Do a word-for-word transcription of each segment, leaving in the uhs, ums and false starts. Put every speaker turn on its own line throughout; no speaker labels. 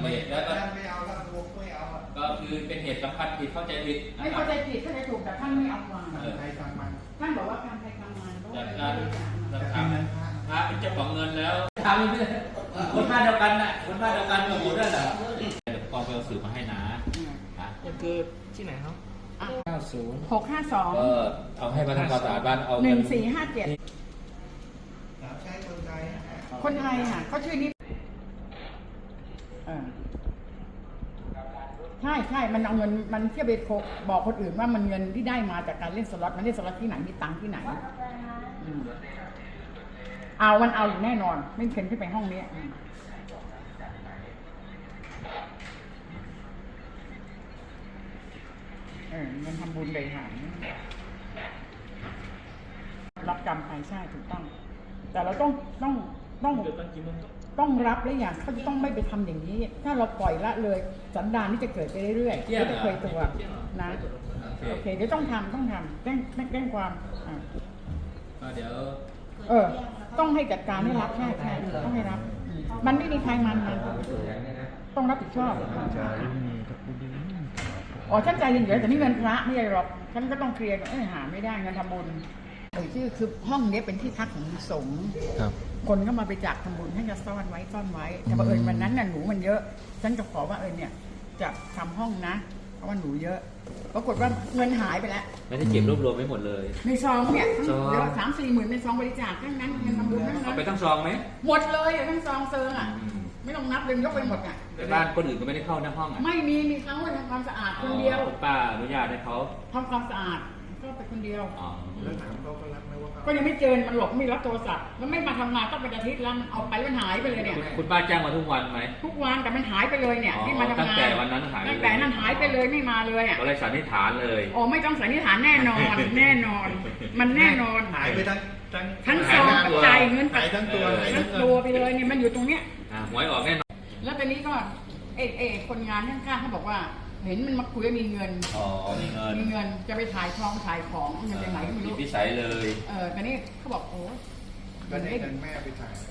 ไม่แล้วก็
ไม่เอาแล้วพวกไม่เอา
ก็คือเป็นเหตุสำคัญผิดเข้าใจผิด
ไม่เข้าใจผิดเข้าใจถูกแต่ท่านไม่เอาความ
ใครทำมัน
ท่านบอกว่าการใครทำงาน
จากการทำพระเป็นเจ้าของเงินแล้วทำคนพลาดเดียวกันน่ะคนพลาดเดียวกันกับหมดนั่นแหละกองไปเอาสื่อมาให้นะ
คือที่ไหนครับเก้าศูนย์
หกห้าสอง
เออเอาให้มาทำความสะอาดบ้านเอา
หนึ่งสี่ห้าเจ็ด
ใช้คนไทย
คนไทยค่ะเขาชื่อนี้ใช่ใช่มันเอาเงินมันเที่ยวไปบอกคนอื่นว่ามันเงินที่ได้มาจากการเล่นสล็อตมันเล่นสล็อตที่ไหนมีตังค์ที่ไหนเอามันเอาอยู่แน่นอนไม่เข็นขึ้นไปห้องนี้เออเงินทำบุญเลยค่ะรับกรรมไปใช่ถูกต้องแต่เราต้องต้องต้องต้องรับและอย่างเขาจะต้องไม่ไปทำอย่างนี้ถ้าเราปล่อยละเลยสันดานนี่จะเกิดไปเรื่อยๆไม่จะเคยตัวนะโอเคเดี๋ยวต้องทำต้องทำแจ้งแจ้งความอ่า
เดี๋ยว
เออต้องให้จัดการให้รับใช่ใช่ต้องให้รับมันไม่มีใครมันมันต้องรับผิดชอบอ๋อฉันใจเย็นๆแต่นี่เงินพระไม่ใช่หรอกฉันก็ต้องเคลียร์เออหาไม่ได้เงินทำบุญเออชื่อคือห้องนี้เป็นที่พักของสงฆ์คนก็มาไปจากทำบุญให้จะซ่อนไว้ซ่อนไว้แต่บังเอิญวันนั้นน่ะหนูมันเยอะฉันจะขอว่าเออเนี่ยจะทำห้องนะเพราะว่าหนูเยอะปรากฏว่าเงินหายไปแล้ว
ไม่ได้เก็บรวบรวมไว้หมดเลย
ในซองเนี่ยเดี๋ยวสามสี่หมื่นในซองบริจาคทั้งนั้นเงินทำบุญทั้งนั้น
เอาไปทั้งซองไหม
หมดเลยทั้งซองเซิงอ่ะไม่ต้องนับเลยยกไปหมดอ่ะ
แต่บ้านคนอื่นก็ไม่ได้เข้าในห้องอ่ะ
ไม่มีมีเขาทำความสะอาดคนเดียว
ป้าอนุญาตให้เขา
ทำความสะอาดก็ไปคนเดียว
แล้วถามเขาก็รับไหมว่า
ก็ยังไม่เจอมันหลบไม่รับโทรศัพท์แล้วไม่มาทำงานก็เป็นอาทิตย์แล้วมันเอาไปมันหายไปเลยเนี่ย
คุณป้าแจ้งมาทุกวันไหม
ทุกวันแต่มันหายไปเลยเนี่ยที่มาทำงาน
ตั้งแต่วันนั้นหาย
ตั้งแต่นั้นหายไปเลยไม่มาเลยอ่ะ
ก็เลยสันนิษฐานเลย
โอ้ไม่ต้องสันนิษฐานแน่นอนแน่นอนมันแน่นอน
หายไปทั้ง
ทั้งทั้งซองใจเงิน
หายทั้งตัว
ทั้งตัวไปเลยเนี่ยมันอยู่ตรงเนี้ย
หวยออกแน่นอน
แล้วตอนนี้ก็เอเอคนงานข้างๆเขาบอกว่าเห็นมันมาคุยว่ามีเงิน
อ๋อมีเงิน
มีเงินจะไปถ่ายทองถ่ายของเงินจากไหนไม่รู้
พิสัยเลย
เออตอนนี้เขาบอกโอ้
เงินเงินแม่ไปถ่าย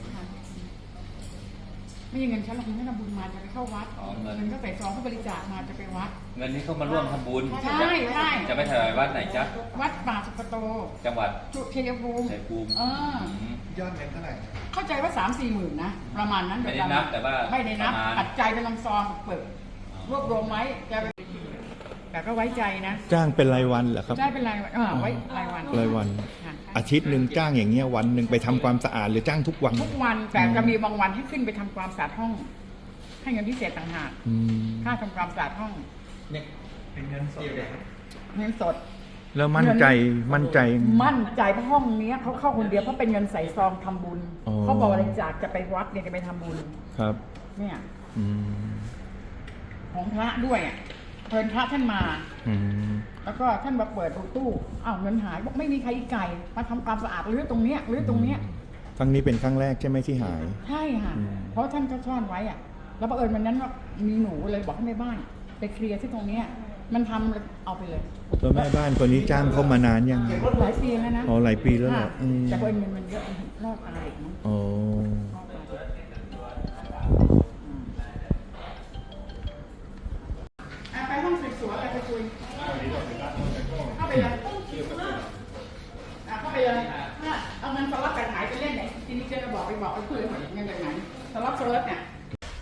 ไม่ใช่เงินฉันเราคุณไม่ทำบุญมาจะไปเข้าวัดเงินก็ใส่ซองเขาบริจาคมาจะไปวัด
เงินนี้เขามาร่วมทำบุญ
ใช่ใช่
จะไปถ่ายวัดไหนจ๊ะ
วัดป่าสุกโต
จังหวัด
ชัยภูมิ
ชัยภูมิ
เอ
อยอดเงินเท่าไหร่
เข้าใจว่าสามสี่หมื่นนะประมาณนั้น
ไม่ได้นับแต่ว่า
ไม่ได้นับปัจจัยเป็นลำซองเปิดรวบรวมไว้จะแต่ก็ไว้ใจนะ
จ้างเป็นรายวันเหรอครับ
ใช่เป็นรายวันไว้รายวัน
รายวันอาทิตย์หนึ่งจ้างอย่างเงี้ยวันหนึ่งไปทำความสะอาดหรือจ้างทุกวัน
ทุกวันแต่จะมีบางวันให้ขึ้นไปทำความสะอาดห้องให้เงินพิเศษต่างหากค่าทำความสะอาดห้อง
เนี่ยเป็นเงินสด
เงินสด
แล้วมั่นใจมั่นใจ
มั่นใจเพราะห้องนี้เขาเข้าคนเดียวเพราะเป็นเงินใส่ซองทำบุญเขาบอกบริจาคจะไปวัดเนี่ยจะไปทำบุญ
ครับ
เนี่ยของพระด้วยอ่ะเพิ่นพระท่านมาแล้วก็ท่านมาเปิดตู้อ้าวเงินหายบอกไม่มีใครอีกไก่มาทำความสะอาดรื้อตรงเนี้ยรื้อตรงเนี้ย
ครั้งนี้เป็นครั้งแรกใช่ไหมที่หาย
ใช่ค่ะเพราะท่านก็ซ่อนไว้อ่ะแล้วบังเอิญวันนั้นว่ามีหนูเลยบอกให้แม่บ้านไปเคลียร์ที่ตรงเนี้ยมันทำเอาไปเลย
แล้วแม่บ้านคนนี้จ้างเขามานานยัง
หลายปีแล้วนะ
อ๋อหลายปีแล้วเหรอ
แต่บังเอิญเงินมันเยอะรอดตายอีกมั้ง
อ๋อ
ไปห้องสืบสวนอะไรไปคุยเข้าไปเลยเข้าไปเลยเอาเงินสล็อตไปขายไปเล่นไหนทีนี้จะบอกไปบอกไปคุยหมดเงินจากไหนสล็อตสล็อตเนี่ย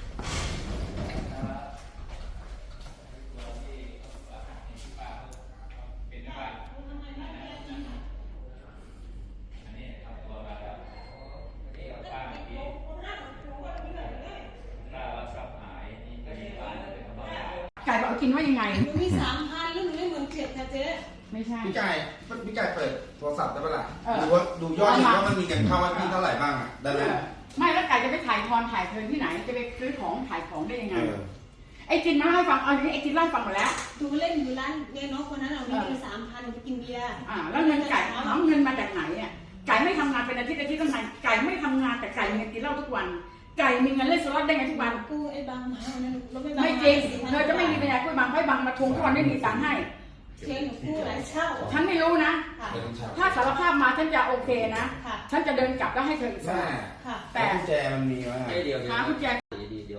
ไก่บอกกินว่ายังไง
มีสามพันแล้วหนูไม่เหมือนเจ็ดค่ะเจ๊
ไม่ใช่
พี่ไก่พี่ไก่เปิดโทรศัพท์ได้ปะล่ะดูว่าดูยอดว่ามันมีเงินเข้าว่าพี่เท่าไหร่บ้างอ่ะได้ไหม
ไม่แล้วไก่จะไปถ่ายทอนถ่ายเทินที่ไหนจะไปซื้อของถ่ายของได้ยังไงไอ้จินมาให้ฟังเอาอย่างนี้ไอ้จินเล่าฟังหมดแล้ว
ดูเล่นอยู่ร้านเนน้องคนนั้นเอาเงินสามพันไปกินเบียร์
อ่าแล้วเงินไก่เอาเงินมาจากไหนอ่ะไก่ไม่ทำงานเป็นอาทิตย์อาทิตย์ตั้งนานไก่ไม่ทำงานแต่ไก่มีเงินกินเหล้าทุกวันไก่มีเงินเล่นสล็อตได้ไงทุกวัน
กูไอ้บางมานั้น
ไม่จริงเธอจะไม่มีปัญญาคุยบางให้บางมาทวงทุกวันไม่มีตังค์ให้
เชนหนูกู้หลายเช่า
ฉันไม่รู้นะถ้าสารภาพมาฉันจะโอเคนะฉันจะเดินกลับแล้วให้เธออีก
แต่กุญแจมันมีไหม
หากุญแจ
เดี๋ยว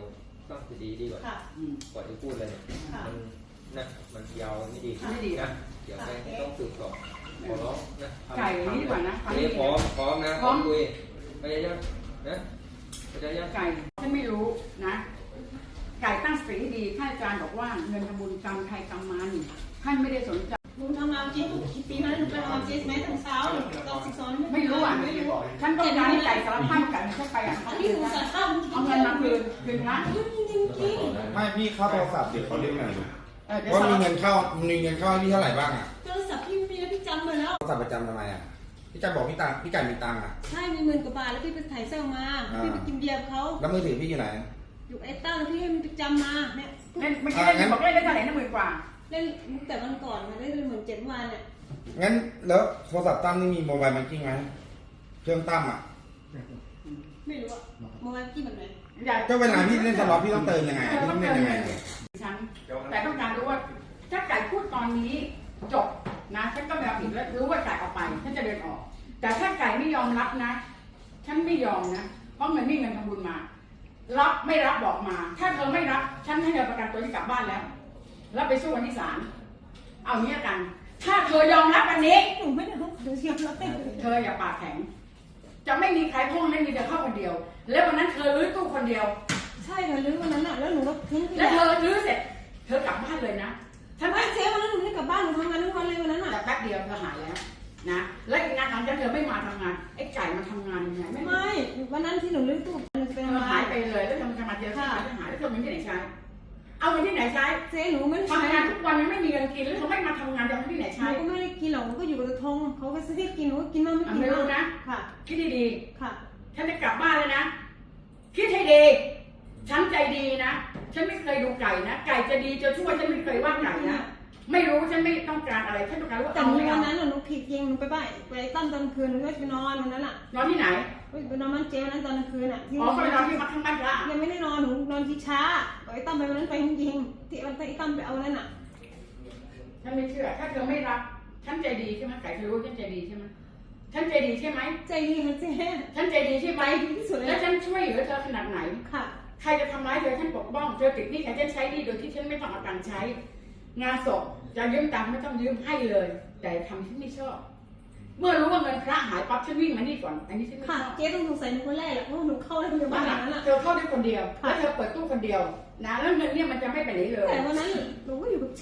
ต้องจะดีดีกว่า
ค่ะ
ก่อนที่พูดเลย
ค่ะ
มันนะมันยาวไม่ดี
ไม่ดี
นะเดี๋ยวไปต้องสืบสอบขอร้องนะทำ
ไก่นี่ดีกว่านะ
อันนี้พร้อมพร้อมนะพร้อมคุยไปยังนะไปยัง
ไก่ฉันไม่รู้นะ ไก่ตั้งสติให้ดีท่านอาจารย์บอกว่าเงินทำบุญกรรมใครกรรมมันท่านไม่ได้สนใจ
หนูทำงานเจ๊กี่ปีนั้นหนูไปทำงานเจ๊ไหมตั้งเช้าตอนสิบสอง
ไม่รู้อ่ะ
ไม่รู้
ฉันต้องการให้ไก่สารพัดไก่ฉันไปอ่ะ
อันนี้หนูสารภาพ
เอาเงินมาคืนคืนพระ
จริงจริงจริง
ไม่พี่เข้าโทรศัพท์เดี๋ยวเขาเรียกหน่อยดู
เออเดี๋ยว
ว่า
สาร
มี
พั
เงิ
ด
นเข้ามีเงินเข้าให้พี่เท่าไหร่บ้างอ่ะ
โทรศัพท์พี่ไม่มีแล้วพี่จำมาแล้ว
โทรศัพท์ประจำทำไมอ่ะพี่จะบอกพี่ตังพี่ไก่มีตังค์อ่ะ
ใช่มีหมื่นกว่าบาทแล้วพี่ไปถ่ายเสื้อมาพี่ไปกินเบียร์กับเขา
แล้วมือถือพี่อยู่ไหน
อยู่ไอ้ต้าแล้วพี่ให้มันไปจำมาเนี่ย
เล่นไม่ใช่เล่นบอกเล่นได้เท่าไหร่นะหมื่นกว่า
เล่นมุกแต่วันก่อนมาเล่นเหมือนเจ็ดวันเนี่ย
งั้นแล้วโทรศัพท์ตั้มนี่มีโมบายแบงกิ้งไหมเครื่องตั้มอ่ะ
ไม่รู้อะโมบายกี่แบบไหน
อย่า
ก็เวลาพี่เล่นสล็อตพี่ต้องเติมยังไง
เธอ
พี่
ต้
ต้
อ
อง ง
เติ
เล่น
ม
ยังไง
เงินฉันแต่ต้องการรู้ว่าถ้าไก่พูดตอนนี้จบนะฉันก็ไม่รับผิดแล้วรู้ว่าไก่ออกไปฉันจะเดินออก แต่ถ้าไก่ไม่ยอมรับนะ ฉันไม่ยอมนะเพราะเงินนี่เงินทำบุญมา รับไม่รับบอกมา ถ้าเธอไม่รับฉันให้เธอประกันตัวที่กลับบ้านแล้วแล้วไปสู้กันที่ศาลเอางี้กัน ถ้าเธอยอมรับวันนี้
หนูไม่ได้รู้หนูเชียร์แล้วเต้น
เธออย่าปากแข็ง จะไม่มีใครพ่องไม่มีเธอเข้าคนเดียว แล้ววันนั้นเธอรื้อตู้คนเดียว
ใช่ค่ะลื้อวันนั้นอะแล้วหนูก็ทิ้งไป
แล้วเธอรื้อเสร็จ เธอกลับบ้านเลยนะฉัน
ไม่เจ๊วันนั้นหนูไม่ได้กลับบ้านหนูทำงานทั้งวันเลยวันนั้นอะ
แต่แป๊บเดียวเธอหายแล้วนะ และอีกงานหลังจากเธอไม่มาทำงานไอ้ไก่มาทำงานยังไงไม่
ไม่วันนั้นที่หนูลื้อตู้หนูจะไป
เธ
ทำ
อง
า
หาย
น
ไปเลยแล้วเธอมาทำงานเดียวค่ะหายแล้วเธอมีที่ไหนใช้ เอาเงินที่ไหนใช้
เจ๊หนูไม่ได้
ทำงานทุกวันยังไม่มีเงินกินแล้วเธอไม่มาทำงานจะเอาเงินที่ไหน
หนู
ใช้
ก็ไม่ได้กินหรอกหนูก็อยู่กับทงเขาก็ซื้อให้กินหนูก็กินบ้างไม่กิน
ไม่รู้นะ
ค่ะ
คิดให้ดี
ค่ะ
ฉันจะกลับบ้านแล้วนะ คิดให้ดี ฉันใจดีนะ ฉันไม่เคยดูไก่นะ ไก่จะดีจะชั่วฉันไม่เคยว่าไก่นะ ไม่รู้ฉันไม่ต้องการอะไร ฉันต้องการว่า
แต่
เอา
หนู
ไม่
วั
เอา
นนั้นหนูผิดจริงหนูไปบ้านไปตั้มตอนคืนหนูก็ไปนอนวันนั้นอ่ะ
นอนที่ไหน
ไปนอนบ้านเจ๊วันนั้นตอนกลางคืนอ่ะ
อ๋อเขาไปนอนที่วัดข้างบ้านพระ
ยังไม่ได้นอนหนูนอนที่ช้าไอ้ตั้มไปวันนั้นไปจริงๆที่วันที่ไอ้ตั้มไปเอานั่นอ่ะ
ฉันไม่เชื่อ ถ้าเธอไม่รับ ฉันใจดีใช่ไหมไก่เธอรู้ฉันใจดีใช่ไหมฉันใจดีใช่ไหม
ใจดีค่ะเจ๊
ฉันใจดีใช่ไหม
ใจดีที่สุดเลย
แล้วฉันช่วยเหลือเธอขนาดไหน
ค่ะ
ใครจะทำร้ายเธอฉันปกป้อง เธอติดหนี้ใครจะใช้หนี้โดยที่ฉันไม่ต้องเอาตังค์ใช้ งานศพจะยืมตังค์ไม่ต้องยืมให้เลย แต่ทำที่ไม่ชอบ เมื่อรู้ว่าเงินพระหายปั๊บฉันวิ่งมานี่ก่อน อันนี้ฉันไม่ช
ค่ะ
อบ
เจ๊ต้องสงสัยหนูคนแรกแหละเพราะหนูเข้าได้คนเดียวบ้านหลังนั้นอ่ะ
เธอเข้าได้คนเดียว แล้วเธอเปิดตู้คนเดียวนะแล้วเงินเนี่ยมันจะไม่ไปไหนเลย
แต่วันนั้นหนูก็อยู่กับเจ๊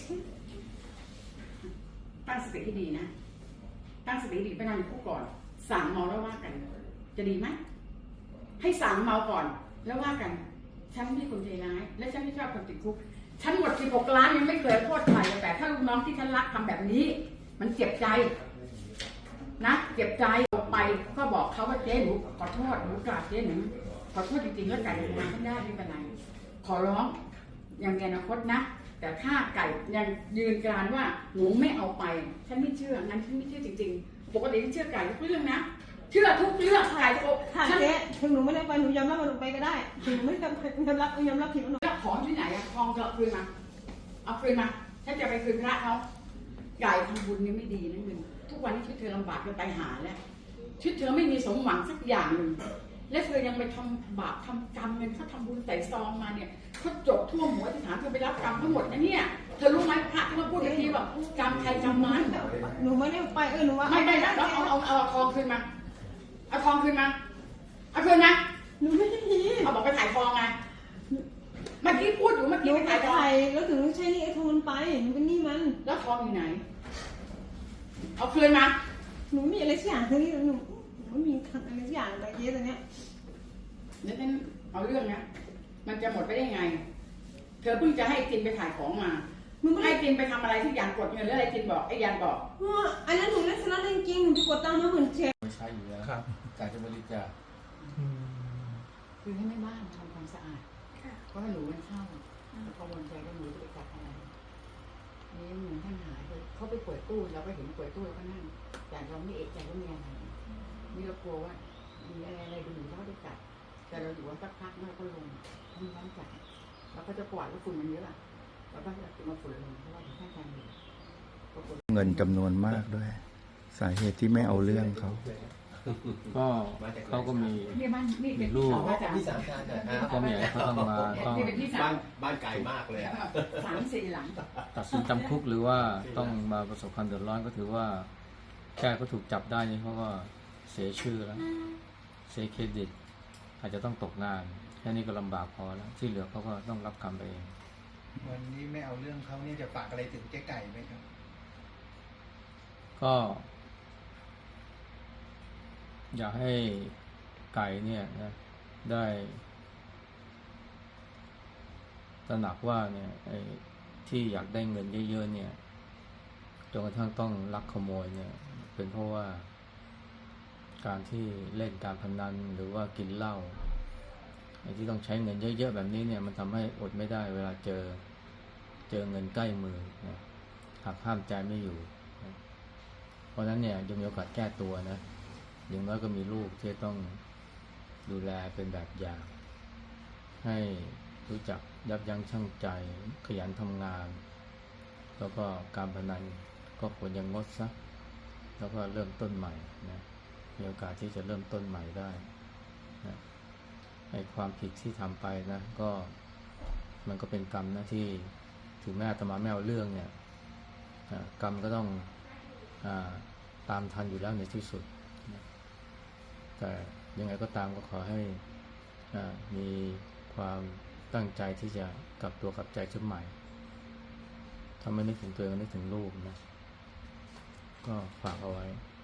ตั้งสติให้ดีนะ ตั้งสติให้ดีไปนอนอยู่คุกก่อน สั่งเมาแล้วว่ากัน จะดีไหม ให้สั่งเมาก่อน แล้วว่ากัน ฉันไม่ใช่คนใจร้าย และฉันไม่ชอบคนติดคุก ฉันหมดสิบหกล้านยังไม่เคยโทษใครแต่ถ้าลูกน้องที่ฉันรักทำแบบนี้ มันเจ็บใจ นะ เจ็บใจออกไปก็บอกเขาว่าเจ๊หนูขอโทษหนูกราบเจ๊หนูขอโทษจริงๆแล้วไก่ทำงานไม่ได้ไม่เป็นไร ขอร้องยังมีอนาคตนะ แต่ถ้าไก่ยังยืนกรานว่าหนูไม่เอาไป ฉันไม่เชื่องั้นฉันไม่เชื่อจริงๆ ปกติฉันเชื่อไก่ทุกเรื่องนะ เชื่อทุกเรื่องไก่โก
ค่ะ
ฉัน
เจ๊ถึงหนูไม่ได้ไปหนูยอมรับว่าหนูไปก็ได้ถึงหนูไม่ได้ไปยอมรับยอมรับผิดว่าหนู
แล้วของที่ไหนอะทองจะเอาคืนมา เอาคืนมา ฉันจะไปคืนพระเขาไก่ทำบุญนี่ไม่ดีนะมึงทุกวันนี้ชีวิตเธอลำบากจนตายหาแล้วชีวิตเธอไม่มีสมหวังสักอย่างหนึ่งและเธอยังไปทำบาปทำกรรมเงินเขาทำบุญใส่ซองมาเนี่ยเขาจบทั่วหัวที่ฐานเธอไปรับกรรมทั้งหมดนะเนี่ยเธอรู้ไหมพระที่มาพูดในที่แบบกรรมใครกรรมมัน
หนูไม่ได้ไปเออหนูว่า
ไม่ได้แล้วเอาเอาเอาทองคืนมาเอาทองคืนมาเอาคืนนะ
หนูไม่ได้ที
เอาบอกไปถ่ายทองไงเมื่อกี้พูดอยู่เมื่อ
ห
กี้
นู
ไป
ไป
ถ่ายทอง
ไทยแล้วถึงใช้นี่ไอ้ทงมันไปหนูเป็นหนี้มัน
แล้วทองอยู่ไหน เอาคืนมา
หนูมีอะไรสักอย่างที่หนูหนูไม่มีอะไรสักอย่างอะไรเยอะตอนเนี้ย
เดี๋ยวฉันเอาเรื่องนะมันจะหมดไปได้ไง เธอเพิ่งจะให้จินไปถ่ายของมา
หนูไม่
ให้
ได้
จินไปทำอะไรที่ยานกดเงินแล้วอะไรจินบอกไอ้ยานบอก
เอออันนั้นหนูเล่นสล็อตจริงๆหนูไปกดตังค์มาหมื่นเจ็ด
ไม่ใช่อยู่แล้วกายจะบริจาค
คือให้แม่บ้านทำความสะอาดเพราะว่าหนูมันเข้าแล้วกังวลใจว่าหนูจะไปจับอะไรนี่เหมือนท่านหายไปเขาไปเปิดตู้เราก็เห็นเปิดตู้แล้วก็นั่งแต่เราไม่เอะใจว่ามีอะไรนี่เรากลัวว่ามีอะไรอะไรดูเขาได้จับแต่เราอยู่ว่าสักพักเราก็ลงมีน้ำจับเราก็จะกวาดแล้วฝุ่นมันเยอะอะเราก็จะมาฝุ่นลงเพราะว่าท่านอาจารย์อยู่
เงินจำนวนมากด้วย สาเหตุที่ไม่เอาเรื่องเขา
ค
ก็เขาก็มี
นี่บ้านนี่เป็น
ลูก
ที่สองมาจาก
ที่สามชาตินะครับ
ก็มีอะไรเขาต้องมาต้อง
นี่เป็นที่สา
บ้าม นบ้านไกลมากเลยอะ
สามสี่หลัง
ตัดสินจำคุกหรือว่าต้องมาประสบความเดือดร้อนก็ถือว่าแค่เขาถูกจับได้นี่เขาก็เสียชื่อแล้วเสียเครดิต อาจจะต้องตกงานแค่นี้ก็ลำบากพอแล้วที่เหลือเขาก็ต้องรับกรรมไปเอง
วันนี้ไม่เอาเรื่องเขาเนี่ยจะฝากอะไรถึงเจ๊ไก่ไหมครับ
ก็ อยากให้ไก่เนี่ยนะได้ตระหนักว่าเนี่ยไอ้ที่อยากได้เงินเยอะๆเนี่ยจนกระทั่งต้องลักขโมยเนี่ยเป็นเพราะว่าการที่เล่นการพนันหรือว่ากินเหล้าไอ้ที่ต้องใช้เงินเยอะๆแบบนี้เนี่ยมันทำให้อดไม่ได้เวลาเจอเจอเงินใกล้มือนะหักห้ามใจไม่อยู่นะเพราะฉะนั้นเนี่ยยังมีโอกาสแก้ตัวนะอย่างน้อยก็มีลูกที่ต้องดูแลเป็นแบบอย่างให้รู้จักยับยั้งชั่งใจขยันทำงานแล้วก็การพนันก็ควรยังงดซะแล้วก็เริ่มต้นใหม่นะมีโอกาสที่จะเริ่มต้นใหม่ได้นะไอ้ความผิดที่ทำไปนะก็มันก็เป็นกรรมนะที่ถึงแม้อาตมาไม่เอาเรื่องเนี่ยกรรมก็ต้องอาตามทันอยู่แล้วในที่สุดนะแต่ยังไงก็ตามก็ขอให้มีความตั้งใจที่จะกลับตัวกลับใจขึ้นใหม่ถ้าไม่นึกถึงตัวเองก็นึกถึงลูกนะก็ฝากเอาไว้